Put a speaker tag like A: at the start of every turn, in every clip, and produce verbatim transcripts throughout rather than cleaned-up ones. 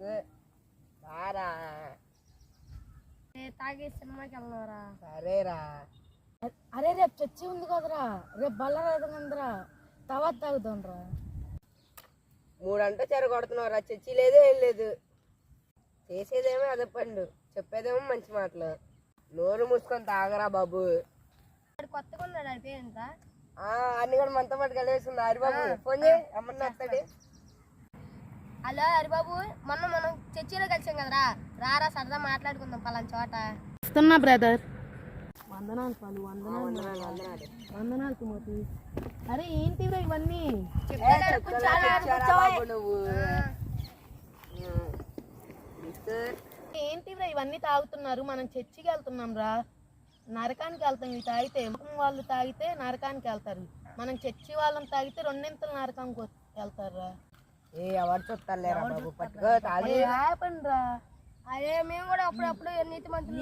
A: రారా
B: తాగే సినిమాకి వెళ్దాంరా.
A: సరేరా.
C: అరే రేపు చర్చి ఉంది కదరా, రేపు బల్లరా తర్వాత తాగుతాంరా.
A: మూడంటే చెర కొడుతున్నావురా, చర్చి లేదే ఏం లేదు. చేసేదేమో అదే పండు, చెప్పేదేమో మంచి మాటలు. నోరు మూసుకొని తాగరా బాబు.
B: కొత్తగా ఉన్నాడు అది పేరెంత
A: అన్ని కూడా మనతో పాటు కలివేసింది. హరిబాబు ఫోన్ చేయి, అమ్మని వస్తాడు.
B: హలో హరిబాబు, మొన్న మనం చర్చిలో కలిసాం కదరా, రారా సరదా మాట్లాడుకుందాం పలానా చోట.
C: వస్తున్నా బ్రదర్. వందనాలు పాలు, వందనాలు
A: వందనాలు
C: వందనాలు తిమోతి. అరే ఏంటిరా ఇవన్నీ?
A: నువ్వు
C: ఏంటిరా ఇవన్నీ తాగుతున్నారు? మనం చర్చికి వెళ్తున్నాం రా, నరకానికి వెళ్తాం. ఇవి తాగితే వాళ్ళు తాగితే నరకానికి వెళ్తారు, మనం చర్చి వాళ్ళని తాగితే రెండింతలు నరకానికి వెళ్తారు.
A: ఏ ఎవరు చూస్తారులేరా బాబు, పట్టుకో తాగి.
C: రా
B: అదే మేము కూడా అప్పుడప్పుడు నీతి మంత్రులు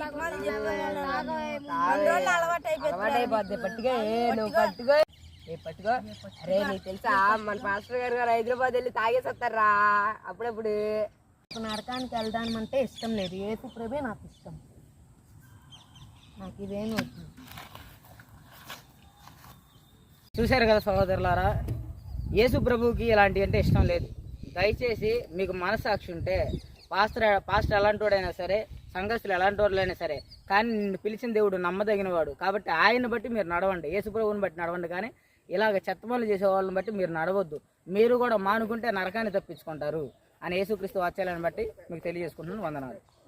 A: అలవాటైపోద్ది. పట్టుకో నువ్వు పట్టుకో ఏ పట్టుకో. అరే నీకు తెలుసా మన పాస్టర్ గారు గారు హైదరాబాద్ వెళ్ళి తాగేసి వస్తారా అప్పుడప్పుడు.
C: నరకానికి వెళ్ళడానికి అంటే ఇష్టం లేదు, ఏసు ప్రభే నాకు ఇష్టం. నాకు ఇదేమి వద్దు.
D: చూశారు కదా సహోదరులారా, యేసు ప్రభువుకి ఇలాంటివి అంటే ఇష్టం లేదు. దయచేసి మీకు మనసాక్షి ఉంటే, పాస్టర్ పాస్టర్ ఎలాంటి వాడైనా సరే, సంఘస్థులు ఎలాంటి వాళ్ళైనా సరే, కానీ నిన్ను పిలిచిన దేవుడు నమ్మదగిన వాడు కాబట్టి ఆయన్ని బట్టి మీరు నడవండి, యేసు ప్రభువుని బట్టి నడవండి. కానీ ఇలాగ చెత్తపనులు చేసే వాళ్ళని బట్టి మీరు నడవద్దు. మీరు కూడా మానుకుంటే నరకాన్ని తప్పించుకుంటారు అని యేసుక్రీస్తు వాక్యాలను బట్టి మీకు తెలియజేసుకుంటున్నాను. వందనాలు.